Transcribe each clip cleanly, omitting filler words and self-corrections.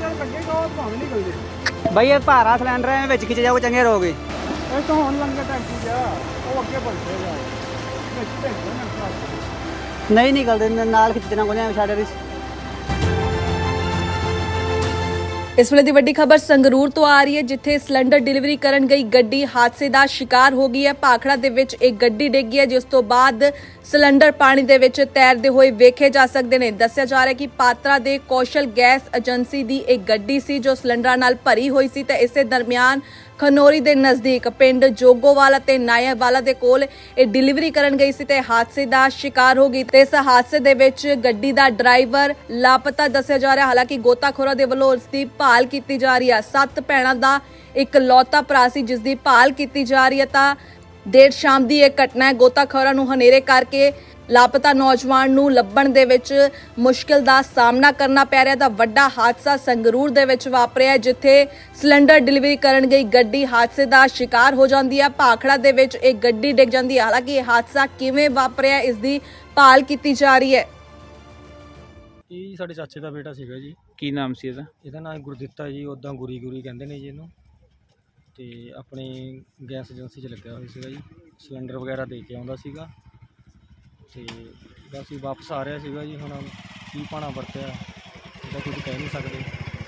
ਬਈ ਇਹ ਭਾਰਾ ਸਿਲੰਡਰ ਹੈ ਵਿੱਚ ਖਿੱਚ ਜਾਓ ਚੰਗੇ ਰਹੋਗੇ। ਇਹ ਤਾਂ ਹੁਣ ਲੰਗੇ ਟੈਂਕੀ ਜਾ ਉਹ ਅੱਗੇ ਪਹੁੰਚੇਗਾ ਵਿੱਚ ਭੇਜਣਾ ਨਹੀਂ ਨਿਕਲਦੇ ਨਾਲ ਖਿੱਚਣਾ ਕੋਈ ਸਾਡੇ ਰਿਸ। ਇਸ ਵੇਲੇ ਦੀ ਵੱਡੀ ਖਬਰ ਸੰਗਰੂਰ ਤੋਂ ਆ ਰਹੀ ਹੈ, ਜਿੱਥੇ ਸਿਲੰਡਰ ਡਿਲੀਵਰੀ ਕਰਨ ਗਈ ਗੱਡੀ ਹਾਦਸੇ ਦਾ ਸ਼ਿਕਾਰ ਹੋ ਗਈ ਹੈ। ਭਾਖੜਾ ਦੇ ਵਿੱਚ ਇੱਕ ਗੱਡੀ ਡਿੱਗੀ ਹੈ, ਜਿਸ ਤੋਂ ਬਾਅਦ ਸਿਲੰਡਰ ਪਾਣੀ ਦੇ ਵਿੱਚ ਤੈਰਦੇ ਹੋਏ ਵੇਖੇ ਜਾ ਸਕਦੇ ਨੇ। ਦੱਸਿਆ ਜਾ ਰਿਹਾ ਕਿ ਪਾਤਰਾ ਦੇ ਕੌਸ਼ਲ ਗੈਸ ਏਜੰਸੀ ਦੀ ਇੱਕ ਗੱਡੀ ਸੀ ਜੋ ਸਿਲੰਡਰਾਂ ਨਾਲ ਭਰੀ ਹੋਈ ਸੀ ਤੇ ਇਸੇ ਦਰਮਿਆਨ ਖਨੌਰੀ ਦੇ ਨਜ਼ਦੀਕ ਪਿੰਡ ਜੋਗੋਵਾਲ ਅਤੇ ਨਾਇਆਵਾਲਾ ਦੇ ਕੋਲ ਇਹ ਡਿਲੀਵਰੀ ਕਰਨ ਗਈ ਸੀ ਤੇ ਹਾਦਸੇ ਦਾ ਸ਼ਿਕਾਰ ਹੋ ਗਈ ਤੇ ਇਸ ਹਾਦਸੇ ਦੇ ਵਿੱਚ ਗੱਡੀ ਦਾ ਡਰਾਈਵਰ ਲਾਪਤਾ ਦੱਸਿਆ ਜਾ ਰਿਹਾ। ਹਾਲਾਂਕਿ ਗੋਤਾਖੋਰਾਂ ਦੇ ਵੱਲੋਂ ਉਸ ਦੀ ਭਾਲ ਕੀਤੀ ਜਾ ਰਹੀ ਹੈ। 7 ਭੈਣਾਂ ਦਾ ਇੱਕ ਲੌਤਾ ਭਰਾ ਸੀ ਜਿਸ ਦੀ ਭਾਲ ਕੀਤੀ ਜਾ ਰਹੀ ਹੈ। ਤਾਂ ਦੇਰ ਸ਼ਾਮ ਦੀ ਇਹ ਘਟਨਾ ਹੈ। ਗੋਤਾਖੋਰਾਂ ਨੂੰ ਹਨੇਰੇ ਕਰਕੇ ਲਾਪਤਾ ਨੌਜਵਾਨ ਨੂੰ ਲੱਭਣ ਦੇ ਵਿੱਚ ਮੁਸ਼ਕਿਲ ਦਾ ਸਾਹਮਣਾ ਕਰਨਾ ਪੈ ਰਿਹਾ। ਤਾਂ ਵੱਡਾ ਹਾਦਸਾ ਸੰਗਰੂਰ ਦੇ ਵਿੱਚ ਵਾਪਰਿਆ, ਜਿੱਥੇ ਸਿਲੰਡਰ ਡਿਲੀਵਰੀ ਕਰਨ ਗਈ ਗੱਡੀ ਹਾਦਸੇ ਦਾ ਸ਼ਿਕਾਰ ਹੋ ਜਾਂਦੀ ਹੈ। ਭਾਖੜਾ ਦੇ ਵਿੱਚ ਇੱਕ ਗੱਡੀ ਡਿੱਗ ਜਾਂਦੀ ਹੈ। ਹਾਲਾਂਕਿ ਇਹ ਹਾਦਸਾ ਕਿਵੇਂ ਵਾਪਰਿਆ ਇਸ ਦੀ ਭਾਲ ਕੀਤੀ ਜਾ ਰਹੀ ਹੈ। ਇਹ ਸਾਡੇ ਚਾਚੇ ਦਾ ਬੇਟਾ ਸੀਗਾ ਜੀ। ਕੀ ਨਾਮ ਸੀ ਇਹਦਾ? ਇਹਦਾ ਨਾਮ ਗੁਰਦਿੱਤਾ ਜੀ, ਉੱਦਾਂ ਗੁਰੀ ਕਹਿੰਦੇ ਨੇ ਜੀ ਇਹਨੂੰ। ਤੇ ਆਪਣੀ ਗੈਸ ਏਜੰਸੀ 'ਚ ਲੱਗਿਆ ਹੋਇਆ ਸੀਗਾ ਜੀ, ਸਿਲੰਡਰ ਵਗੈਰਾ ਦੇ ਕੇ ਆਉਂਦਾ ਸੀਗਾ ਤੇ ਬਸ ਹੀ ਵਾਪਸ ਆ ਰਿਹਾ ਸੀਗਾ ਜੀ। ਹੁਣ ਕੀ ਪਾਣਾ ਵਰਤਿਆ ਇਹਦਾ ਕੁਝ ਕਹਿ ਨਹੀਂ ਸਕਦੇ।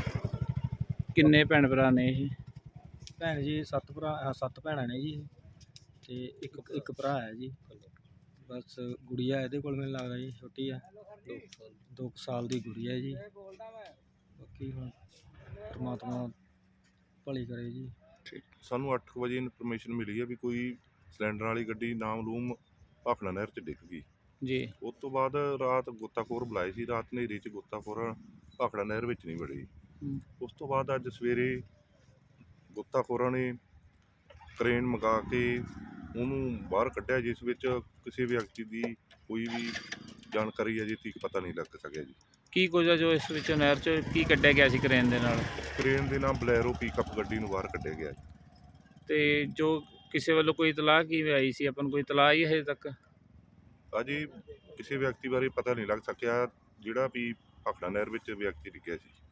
ਕਿੰਨੇ ਭੈਣ ਭਰਾ ਨੇ ਇਹ? ਭੈਣ ਜੀ 7 ਭੈਣਾਂ ਨੇ ਜੀ ਤੇ ਇੱਕ ਭਰਾ ਹੈ ਜੀ। ਬਸ ਗੁੜੀਆ ਇਹਦੇ ਕੋਲ ਮੈਨੂੰ ਲੱਗਦਾ ਜੀ ਛੋਟੀ ਆ, 2 ਸਾਲ ਦੀ ਗੁੜੀਆ ਹੈ ਜੀ। ਬਾਕੀ ਹੁਣ ਪਰਮਾਤਮਾ ਭਲੀ ਕਰੇ ਜੀ। ਸਾਨੂੰ 8 ਵਜੇ ਇਨਫੋਰਮੇਸ਼ਨ ਮਿਲੀ ਹੈ ਵੀ ਕੋਈ ਸਿਲੰਡਰ ਵਾਲੀ ਗੱਡੀ ਨਾਮਲੂਮ ਭਾਖੜਾ ਨਹਿਰ 'ਚ ਡਿੱਗ ਗਈ ਜੀ। ਉਸ ਤੋਂ ਬਾਅਦ ਰਾਤ ਗੋਤਾਖੋਰ ਬੁਲਾਏ ਸੀ। ਰਾਤ ਹਨੇਰੀ 'ਚ ਗੋਤਾਖੋਰ ਭਾਖੜਾ ਨਹਿਰ ਵਿੱਚ ਨਹੀਂ ਵੜੀ। ਉਸ ਤੋਂ ਬਾਅਦ ਅੱਜ ਸਵੇਰੇ ਗੋਤਾਖੋਰਾਂ ਨੇ ਕਰੇਨ ਮੰਗਾ ਕੇ ਉਹਨੂੰ ਬਾਹਰ ਕੱਢਿਆ, ਜਿਸ ਵਿੱਚ ਕਿਸੇ ਵਿਅਕਤੀ ਦੀ ਕੋਈ ਵੀ ਜਾਣਕਾਰੀ ਅਜੇ ਤੱਕ ਪਤਾ ਨਹੀਂ ਲੱਗ ਸਕਿਆ ਜੀ। ਕੀ ਕੁਝ ਆ ਜੋ ਇਸ ਵਿੱਚ ਨਹਿਰ 'ਚ ਕੀ ਕੱਢਿਆ ਗਿਆ ਸੀ ਕਰੇਨ ਦੇ ਨਾਲ? ਕਰੇਨ ਦੇ ਨਾਲ ਬਲੈਰੋ ਪਿਕਅਪ ਗੱਡੀ ਨੂੰ ਬਾਹਰ ਕੱਢਿਆ ਗਿਆ। ਤੇ ਜੋ ਕਿਸੇ ਵੱਲੋਂ ਕੋਈ ਇਤਲਾਹ ਕਿਵੇਂ ਆਈ ਸੀ? ਆਪਾਂ ਨੂੰ ਕੋਈ ਇਤਲਾਹ ਹੀ ਹਜੇ ਤੱਕ? ਅਜੇ ਕਿਸੇ ਵਿਅਕਤੀ ਬਾਰੇ ਪਤਾ ਨਹੀਂ ਲੱਗ ਸਕਿਆ ਜਿਹੜਾ ਵੀ ਭਾਖੜਾ ਨਹਿਰ ਵਿੱਚ ਵਿਅਕਤੀ ਡਿੱਗਿਆ ਸੀ।